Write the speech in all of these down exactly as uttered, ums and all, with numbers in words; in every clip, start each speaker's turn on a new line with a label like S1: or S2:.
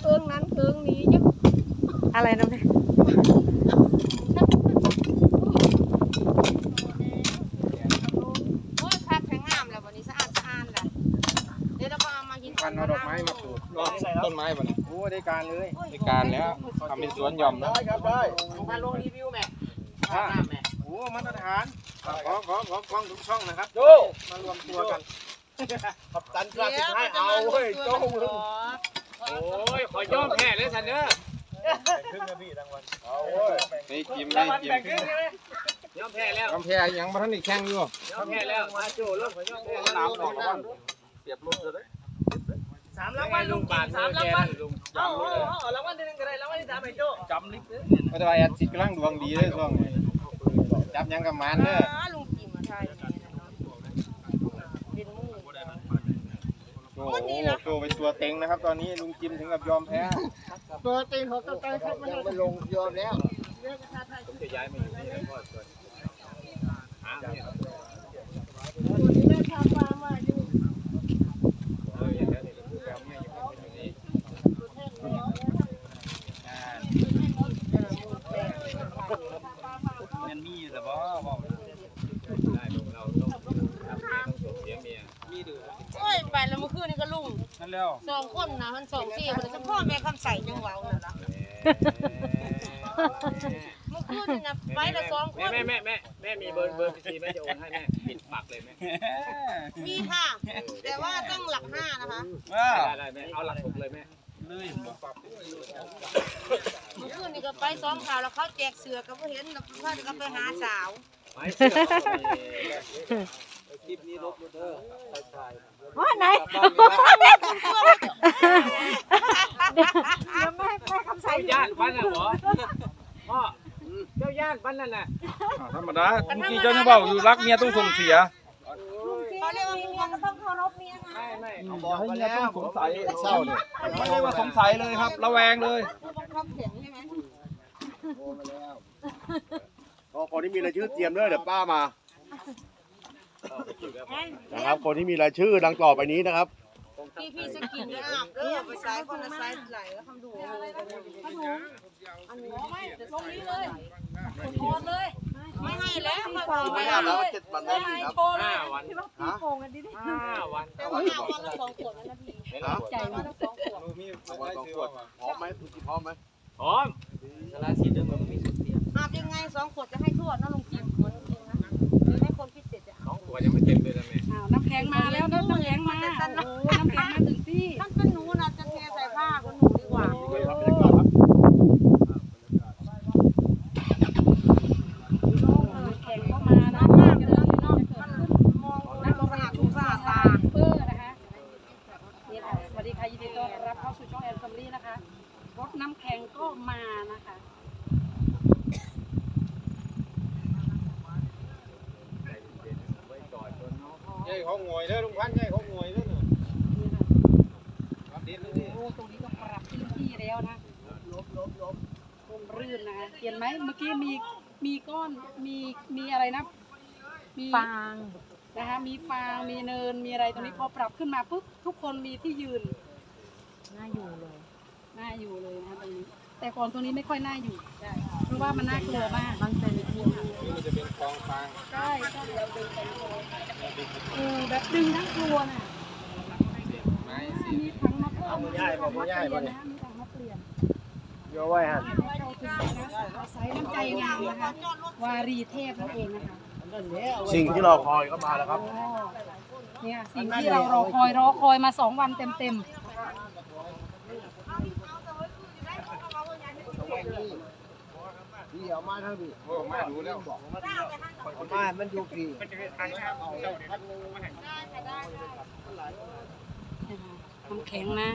S1: เครื่องนั้นเครื่องนี้เยอะ
S2: อะไรนะแม่
S1: โอ้ยคักแข็งงามแล้ววันนี้สะอาดสะอาดแหละเดี๋ยวเราก็เอามากิน
S3: พันเอาดอกไม้มาปลูกต้นไม้ป่ะเนี่ยโอ้ได้การเลยได้การแล้วทำเป็นสวนหย่อมนะได้ครับได้
S4: มาลงรีวิวแม่แม่
S3: โอ้มาตรฐานขอขอขอกล้องทุกช่องนะครับโจมารวมตัวกันขับตันกล้าสิบให้เอาเฮ้ยโจ้มึง
S4: โอ้ยขอย่อมแพ้เลยสันเด้อ
S3: ครึ่งนาทีรางวัลเอาเว้ยไม่จิ้มไม่จิ้ม
S4: ย่อมแพ้แล้ว
S3: ย่อมแพ้ยังมาท่านอีกแข่งอยู่
S4: ย่อมแพ้แล้วมาโจ้รถขอย่อมแพ้แล้ว
S3: เสียบรถเลย
S4: สามรางวัลลุงสามรางวัลลุงเอาเอารางวัลที่หนึ่งก็ได้รางวัลที่สามไอ้โจ้
S3: จำลิฟต์ไม่ได้ว่าแอดสิกำลังดวงดีเลยช่วงนี้จับยังกับมันเด้อ
S1: ลุงจิมมาใช่เป็นมู
S3: โอ้โหโจเป็นตัวเต็งนะครับตอนนี้ลุงจิมถึงกับยอมแพ้
S1: ตัวเต็งเขาตัวเต็งครับมัน
S3: ไม่ลงยอมแล้ว
S4: ผมจะย้ายมาอยู่นี่แล้วก็ส่วนหาเนี่ย
S1: ที่แม่ทำมามาอยู่
S4: เอออย่างนี้คือแปลว่าเนี่ยอยู่นี่มันมีแต่ว่าได้ลุงเราต้องทำเมียต้องส่งเสียเมียมีดื้อ
S1: โอ้ยไปแล้วเมื่อคืนนี่ก็ลุง
S3: นั่นแล้ว
S1: สองคนนะมันสองสี่คนเฉพาะแม่คำใส่ยังเว้าน่ะล่ะเมื่อคืนนี่นะไปละสองคน
S4: แม่แม่แม่แม่มีเบอร์เบอร์บัญชีแม่จะโอนให้แม่ปิดปากเลยแม่
S1: มีค่ะแต่ว่าต้องหลักห้านะคะ
S4: ได้ได้แม่เอาหลักหกเลยแม่
S3: เลย
S1: เมื่อคืนนี่ก็ไปซ้อมข่าวแล้วเขาแจกเสือก็เห็นแล้วเขาจะไปหาสาว
S4: ไม่เสือคลิปนี้ลบเด้อ
S2: ว่าไหนยังไม่ไม่คำใส่
S4: ย่านบ้านน่ะหรอพ่อเจ้าย่านบ้านนั่นน่ะ
S3: ธรรมดาเมื่อกี้เจ้าเนี่ยบอกอยู่รักเมียต้องส่งเสีย
S1: เขาเรียกว่าเมียก็ต้องเคารพเมียไง
S4: ไม่ไม่
S3: เขาบอกให้เมียต้องสงสัยเศร้าเนี่ยไม่ได้ว่าสงสัยเลยครับระแวงเลย
S1: บังคับเสียงใช่ไหม
S3: โอ้มาแล้วพอคนที่มีรายชื่อเตรียมเลยเดี๋ยวป้ามานะครับคนที่มีรายชื่อดังต่อไปนี้นะครับ
S1: พี่พี่สกินเนี่ยอาบเด้อไปซ้ายคนละซ้ายไหลแล้วทำดูเลยทำดูอันนี้ไม่ลงนี้เลยโอนเลยไม่ให้แล้ว
S3: ไม่ให้แล้วเจ็ดวันแล้วครับ
S4: ห้าวัน
S2: พี่โกงกันดิ
S4: ห้าวัน
S1: แต่ว่าห้าวันละสองขวดนะพี่ใจวันละสองขวด
S3: สองขวดพร้อมไหมคุณพร้อมไหม
S4: พร้อมสารสิทธิ์เดิมมันมีสุดเสีย
S1: อาบยังไงสองขวดจะให้ทั่วนะลุงจิมเหมือนจริงนะให้คนพิเศษจะ
S4: สองขวดยังไม่เต็มเลยนะแม่
S2: อ้าวน้ำแข็งมาแล้วน้ำแข็งมาโอ้น้ำแข็งมาถึงที่
S1: ท่านเป็นหนูนะจะเทใส่ผ้าคนหนูดีกว่า
S2: แข็งเข้ามานะมากเลยเนาะ
S1: มองน้ำสะอาดทุกสะอาดตา
S2: เพื่อนะคะนี่ค่ะสวัสดีค่ะยินดีต้อนรับเข้าสู่ช่องแอนซัมลี่นะคะรถน้ำแข็งก็มานะคะ
S3: ใหญ่เขาหงอยเลยลุงพันใหญ่เขาหงอยเลยเนี่ย
S2: โอ้ตรงนี้ก็ปรับพื้นที่แล้วนะลบลบลบคงรื่นนะคะเห็นไหมเมื่อกี้มีมีก้อนมีมีอะไรนะมีฟางนะคะมีฟางมีเนินมีอะไรตรงนี้พอปรับขึ้นมาปุ๊บทุกคนมีที่ยืนน่าอยู่เลยน่าอยู่เลยนะตรงนี้แต่ก่อนตรงนี้ไม่ค่อยน่าอยู่เพราะว่ามันน่ากลัวมากมันเป็นที่
S3: มันจะเป็นกองฟาง
S2: ใช่ใช่เราดึงไปเออแบบดึงทั้งกลัวน่ะมีถังมาเพิ่มมีถังมาเปลี่ยนนะมีถังมาเปลี่ยน
S3: เยอะไว้ฮะ
S2: ใช้น้ำใจงามนะคะวารีเทพนั่นเองนะคะ
S3: สิ่งที่เราคอยก็มาแล้วครับ
S2: เนี่ยสิ่งที่เรารอคอยรอคอยมาสองวันเต็มเต็ม
S3: พี่เอามาทั้งพี่โอ้มาดูแล้วบอกมามันอยู่พี่
S2: น้ำแข็งนะ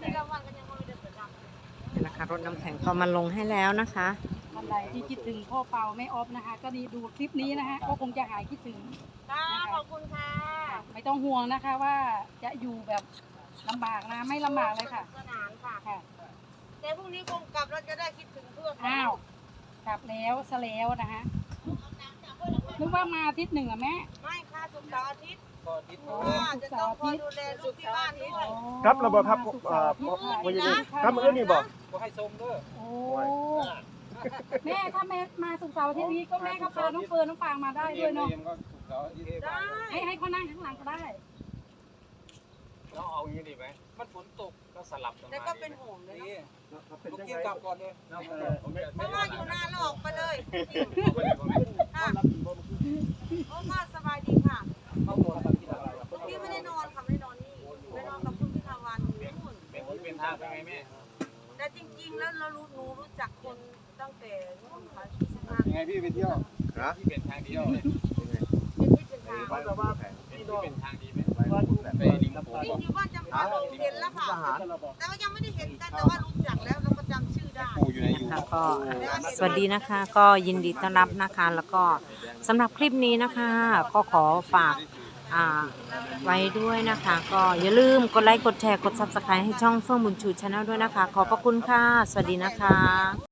S1: นี่นะคะรถน้ำแข็งเขามาลงให้แล้วนะคะ
S2: ท่านใดที่คิดถึงพ่อเปาแม่ออฟนะคะก็ดีดูคลิปนี้นะคะก็คงจะหายคิดถึง
S1: ค่ะขอบคุณค่ะ
S2: ไม่ต้องห่วงนะคะว่าจะอยู่แบบลำบากนะไม่ลำบากเลยค่ะ
S1: สนานค่ะแต่พรุ่งนี้คงกลับเราจะได้คิดถึงเพื่อน
S2: อ้าวกลับแล้วซะแล้วนะคะนึกว่ามาอาทิตย์หนึ่งอะแม่
S1: ไม่ค่ะศุกร์เสาร์อาทิตย์จะต้องคอยดูแลลูกที่บ้านด้วย
S3: ครับระบบครับเอ่อวันนี้ครับมื้อนี้บอก
S2: โอ้แม่ถ้าแม่มาสุกร์เสาร์อาทิตย์นี้ก็แม่ก็พาน้องเฟิร์นน้องฟางมาได้ด้วยเนาะ
S1: ได้
S2: ให้ให้เขานั่งข้างหลังก็ได้
S4: เราเอาอย่างนี้ดีไหมมันฝนตกก็สลับกันมา
S1: แล้วก็เป็นห่วงเลยนะ
S3: เป็นยังไงกลับก่อนเลย
S1: เพราะว่าอยู่นานแล้วออกไปเลยค่ะโอ้ก็สบายดีค่ะพี่ไม่ได้นอนค่ะไม่ได้นอนนี่ไปนอนกับคุณพิธาวันนู่น
S4: เป็นที่เป็นทางเป็นไงแม่
S1: แต่จริงๆแล้วเรารู้หนูรู้จักคนตั้งแต่นู่นค่ะที่สำนัก
S4: ยังไงพี่ไปเที่ยวนะที่เป็นทางเดียวเนี่ย
S1: เป็นที่เป็นทาง
S3: แต่ว่า
S4: เป็นที่เป็นทางดีไหม
S3: ว่า
S4: ไปริมโขง
S1: จริงๆว่าจะมาลงเห็นแล้วค่ะ แต่ว่ายังไม่ได้เห็นกันแต่ว่ารู้จักแล้วเราก็จำชื่อได้
S4: ปูอยู่ในยู
S5: ค่ะก็สวัสดีนะคะ ก็ยินดีต้อนรับนะคะ แล้วก็สำหรับคลิปนี้นะคะ ก็ขอฝากอ่าไว้ด้วยนะคะ ก็อย่าลืมกดไลค์กดแชร์กด ซับสไครบ์ ให้ช่องเฟื่องบุญชูชาแนลด้วยนะคะ ขอบพระคุณค่ะ สวัสดีนะคะ